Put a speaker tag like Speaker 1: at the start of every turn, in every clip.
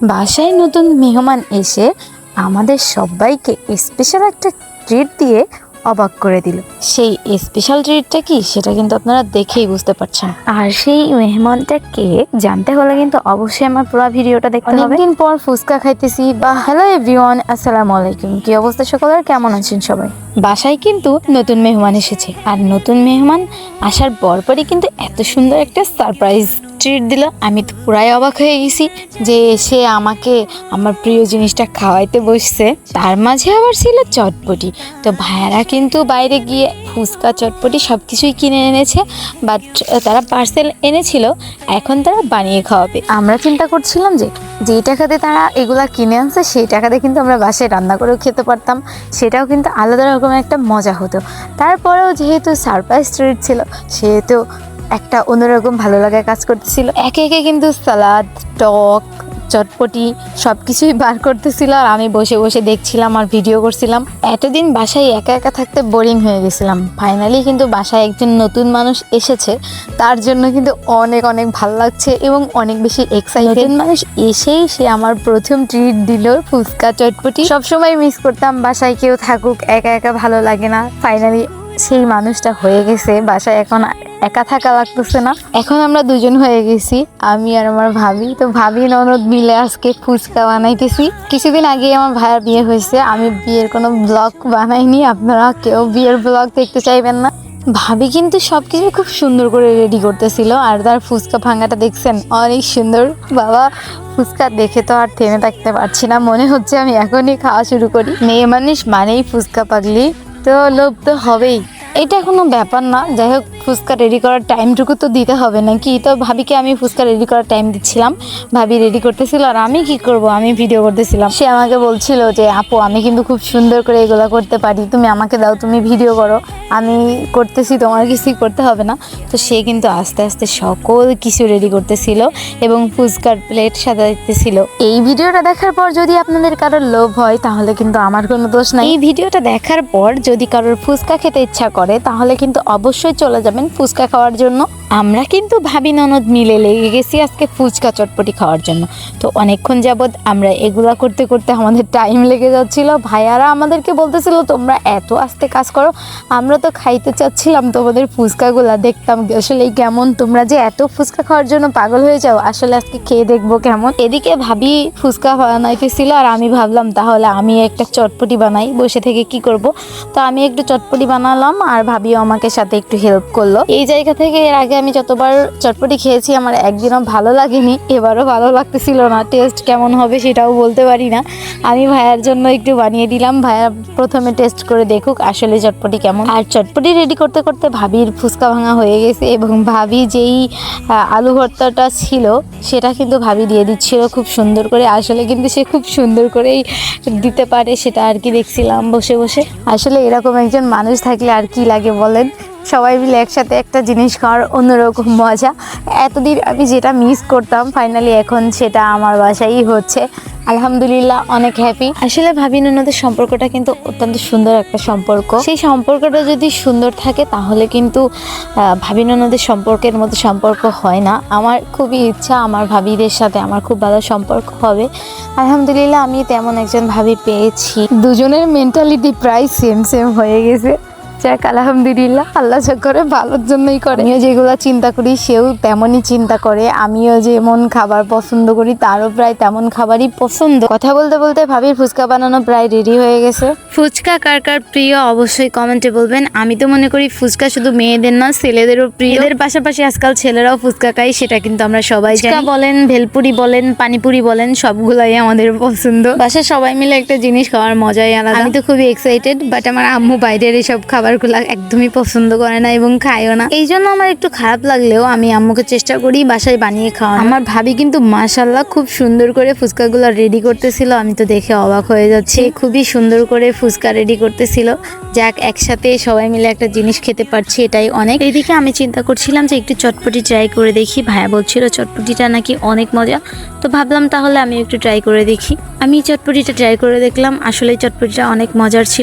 Speaker 1: বাসায় নতুন মেহমান এসে আমাদের সবাইকে স্পেশাল একটা ট্রিট দিয়ে অবাক করে দিল। সেই স্পেশাল ট্রিটটা কি সেটা কিন্তু আপনারা দেখেই বুঝতে পারছেন। আর সেই মেহমানটা কে জানতে হলে কিন্তু অবশ্যই আমার পুরো ভিডিওটা দেখতে হবে। অনেকদিন পর ফুচকা খাইতেছি। বা হ্যালো এভরিওয়ান, আসসালামু আলাইকুম। কি অবস্থা সকলের, কেমন আছেন সবাই? বাসায় কিন্তু নতুন মেহমান এসেছে, আর নতুন মেহমান আসার পরপরই কিন্তু এত সুন্দর একটা সারপ্রাইজ ট্রিট দিল। আমি তো পুরাই অবাক হয়ে গেছি যে সে আমাকে আমার প্রিয় জিনিসটা খাওয়াইতে বসছে, তার মাঝে আবার ছিল চটপটি। তো ভাইয়ারা কিন্তু বাইরে গিয়ে ফুচকা চটপটি সব কিছুই কিনে এনেছে, বাট তারা পার্সেল এনেছিল, এখন তারা বানিয়ে খাওয়াবে। আমরা চিন্তা করছিলাম যে যেই টাকাতে তারা এগুলা কিনে আনছে সেই টাকাতে কিন্তু আমরা বাসায় রান্না করেও খেতে পারতাম, সেটাও কিন্তু আলাদা রকমের একটা মজা হতো। তারপরেও যেহেতু সারপ্রাইজ ট্রিট ছিল সেহেতু একটা অন্যরকম ভালো লাগা কাজ করতেছিল। একে একে কিন্তু সালাদ, টক, চটপটি সব কিছুই বার করতেছিল, আর আমি বসে বসে দেখছিলাম আর ভিডিও করছিলাম। এতদিন বাসায় একা একা থাকতে বোরিং হয়ে গেছিলাম। ফাইনালি কিন্তু বাসায় একজন নতুন মানুষ এসেছে, তার জন্য কিন্তু অনেক অনেক ভালো লাগছে এবং অনেক বেশি এক্সাইটেড। মানুষ এসেই সে আমার প্রথম ট্রিট দিল ফুচকা চটপটি। সবসময় মিস করতাম বাসায় কেউ থাকুক, একা একা ভালো লাগে না। ফাইনালি সেই মানুষটা হয়ে গেছে বাসায়, এখন একা থাকা লাগতেছে না। এখন আমরা দুজন হয়ে গেছি, আমি আর আমার ভাবি। তো ভাবি ননদ মিলে আজকে ফুচকা বানাইতেছি। কিছুদিন আগে আমার ভাইয়ের বিয়ে হয়েছে, আমি বিয়ের কোনো ব্লগ বানাইনি, আপনারা কেউ বিয়ের ব্লগ দেখতে চাইবেন না। ভাবি কিন্তু সবকিছু খুব সুন্দর করে রেডি করতেছিল, আর তার ফুচকা ভাঙাটা দেখছেন অনেক সুন্দর। বাবা, ফুচকা দেখে তো আর থেমে থাকতে পারছি না, মনে হচ্ছে আমি এখনই খাওয়া শুরু করি। মেয়ে মানুষ মানেই ফুচকা পাগলি, তো লোভ তো হবেই, এটা কোনো ব্যাপার না। যাই হোক, ফুচকা রেডি করার টাইমটুকু তো দিতে হবে নাকি। তো ভাবিকে আমি ফুচকা রেডি করার টাইম দিচ্ছিলাম, ভাবি রেডি করতেছিল আর আমি কি করব, আমি ভিডিও করতেছিলাম। সে আমাকে বলছিল যে আপু আমি কিন্তু খুব সুন্দর করে এগুলো করতে পারি, তুমি আমাকে দাও, তুমি ভিডিও করো, আমি করতেছি, তোমার কিছুই করতে হবে না। তো সে কিন্তু আস্তে আস্তে সকল কিছু রেডি করতেছিল এবং ফুচকার প্লেট সাজাইতেছিল। এই ভিডিওটা দেখার পর যদি আপনাদের কারোর লোভ হয় তাহলে কিন্তু আমার কোনো দোষ নাই। এই ভিডিওটা দেখার পর যদি কারোর ফুচকা খেতে ইচ্ছা করে তাহলে কিন্তু অবশ্যই চলে যাবেন ফুচকা খাওয়ার জন্য। আমরা কিন্তু ভাবি ননদ মিলে লেগে গেছি আজকে ফুচকা চটপটি খাওয়ার জন্য। তো অনেকক্ষণ যাবৎ আমরা এগুলা করতে করতে আমাদের টাইম লেগে যাচ্ছিল। ভাইয়ারা আমাদেরকে বলতেছিল তোমরা এত আস্তে কাজ করো, আমরা তো খাইতে চাচ্ছিলাম তোমাদের ফুচকাগুলা, দেখতাম আসলে কেমন, তোমরা যে এত ফুচকা খাওয়ার জন্য পাগল হয়ে যাও, আসলে আজকে খেয়ে দেখবো কেমন। এদিকে ভাবি ফুচকা বানাইতেছিল আর আমি ভাবলাম তাহলে আমি একটা চটপটি বানাই, বসে থেকে কি করব। তো আমি একটু চটপটি বানালাম আর ভাবিও আমাকে সাথে একটু হেল্প করলো। এই জায়গা থেকে এর আগে আমি যতবার চটপটি খেয়েছি আমার একদিনও ভালো লাগেনি, এবারও ভালো লাগতেছিল না। টেস্ট কেমন হবে সেটাও বলতে পারি না। আমি ভাইয়ার জন্য একটু বানিয়ে দিলাম, ভাইয়া প্রথমে টেস্ট করে দেখুক আসলে চটপটি কেমন। আর চটপটি রেডি করতে করতে ভাবির ফুচকা ভাঙা হয়ে গেছে এবং ভাবি যেই আলু ভর্তাটা ছিল সেটা কিন্তু ভাবি দিয়ে দিচ্ছিল খুব সুন্দর করে। আসলে কিন্তু সে খুব সুন্দর করেই দিতে পারে, সেটা আর কি দেখছিলাম বসে বসে। আসলে এরকম একজন মানুষ থাকলে আর কি লাগে বলেন, সবাই মিলে একসাথে একটা জিনিস খাওয়ার অন্যরকম মজা। এতদিন আমি যেটা মিস করতাম ফাইনালি এখন সেটা আমার বাসায়ই হচ্ছে, আলহামদুলিল্লাহ অনেক হ্যাপি। আসলে ভাবি ননদের সম্পর্কটা কিন্তু অত্যন্ত সুন্দর একটা সম্পর্ক। সেই সম্পর্কটা যদি সুন্দর থাকে তাহলে কিন্তু ভাবি ননদের সম্পর্কের মতো সম্পর্ক হয় না। আমার খুবই ইচ্ছা আমার ভাবিদের সাথে আমার খুব ভালো সম্পর্ক হবে। আলহামদুলিল্লাহ আমি তেমন একজন ভাবি পেয়েছি, দুজনের মেন্টালিটি প্রায় সেম সেম হয়ে গেছে। যাক আলহামদুলিল্লাহ, আল্লাহ যা করে ভালোর জন্যই করে। আমিও যেগুলো চিন্তা করি সেও তেমনই চিন্তা করে, আমিও যেমন খাবার পছন্দ করি তারও প্রায় তেমন খাবারই পছন্দ। কথা বলতে বলতে ভাবির ফুচকা বানানো প্রায় রেডি হয়ে গেছে। ফুচকা কার কার প্রিয় অবশ্যই কমেন্টে বলবেন। আমি তো মনে করি ফুচকা শুধু মেয়েদের না ছেলেদেরও প্রিয়, এদের পাশাপাশি আজকাল ছেলেরাও ফুচকা খায়, সেটা কিন্তু আমরা সবাই জানি। বলেন, ভেলপুরি বলেন, পানিপুরি বলেন, সবগুলাই আমাদের পছন্দ। বাসায় সবাই মিলে একটা জিনিস খাওয়ার মজাই আলাদা। আমি তো খুবই এক্সাইটেড, বাট আমার আম্মু বাইরের এসব খাবার একদমই পছন্দ করে না এবং খায়ও না। এই জন্য আমার একটু খারাপ লাগলেও আমি আম্মুকে চেষ্টা করি বাসায় বানিয়ে খাওয়া। আমার ভাবি কিন্তু মাশাআল্লাহ খুব সুন্দর করে ফুচকাগুলো রেডি করতেছিল, আমি তো দেখে অবাক হয়ে যাচ্ছি। খুবই সুন্দর করে ফুচকা রেডি করতেছিল। যাক, একসাথে সবাই মিলে একটা জিনিস খেতে পারছি, এটাই অনেক। এইদিকে আমি চিন্তা করছিলাম যে একটু চটপটি ট্রাই করে দেখি। ভাইয়া বলছিল চটপটিটা নাকি অনেক মজা, তো ভাবলাম তাহলে আমি একটু ট্রাই করে দেখি। আমি চটপটিটা ট্রাই করে দেখলাম, আসলে চটপটিটা অনেক মজার ছিল। তো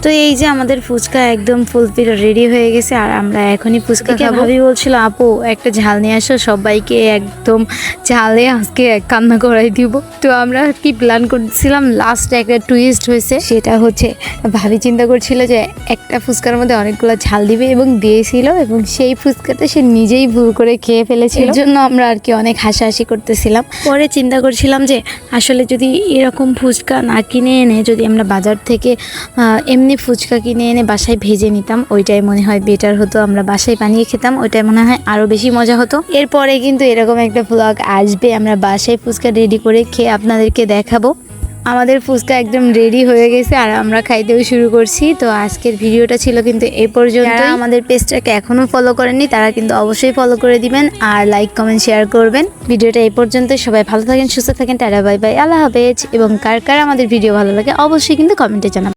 Speaker 1: তো এই যে আমাদের ফুচকা একদম ফুলফিল রেডি হয়ে গেছে, আর আমরা এখনই ফুচকা খাবো। ভাবি বলছিল আপু একটা ঝাল নিয়ে আসো, সবাইকে একদম ঝালে আজকে কান্না করাই দিব। তো আমরা কি প্ল্যান করছিলাম, লাস্ট একটা টুইস্ট হয়েছে, সেটা হচ্ছে ভাবি চিন্তা করছিল যে একটা ফুচকার মধ্যে অনেকগুলো ঝাল দিবে এবং দিয়েছিল, এবং সেই ফুচকাটা সে নিজেই ভুল করে খেয়ে ফেলেছিল। এর জন্য আমরা আর কি অনেক হাসাহাসি করতেছিলাম। পরে চিন্তা করছিলাম যে আসলে যদি এরকম ফুচকা না কিনে এনে যদি আমরা বাজার থেকে এমনি ফুচকা কিনে এনে বাসায় ভেজে নিতাম, ওইটাই মনে হয় বেটার হতো। আমরা বাসায় বানিয়ে খেতাম, ওইটাই মনে হয় আরও বেশি মজা হতো। এরপরে কিন্তু এরকম একটা ব্লগ আসবে, আমরা বাসায় ফুচকা রেডি করে খেয়ে আপনাদেরকে দেখাবো। আমাদের ফুচকা একদম রেডি হয়ে গেছে আর আমরা খাইতেও শুরু করছি। তো আজকের ভিডিওটা ছিল কিন্তু এই পর্যন্ত। যারা আমাদের পেজটাকে এখনও ফলো করেননি তারা কিন্তু অবশ্যই ফলো করে দিবেন, আর লাইক কমেন্ট শেয়ার করবেন। ভিডিওটা এই পর্যন্ত, সবাই ভালো থাকেন, সুস্থ থাকেন, টাটা বাই বাই, আল্লাহ হাফেজ। এবং কার কার আমাদের ভিডিও ভালো লাগে অবশ্যই কিন্তু কমেন্টে জানাবেন।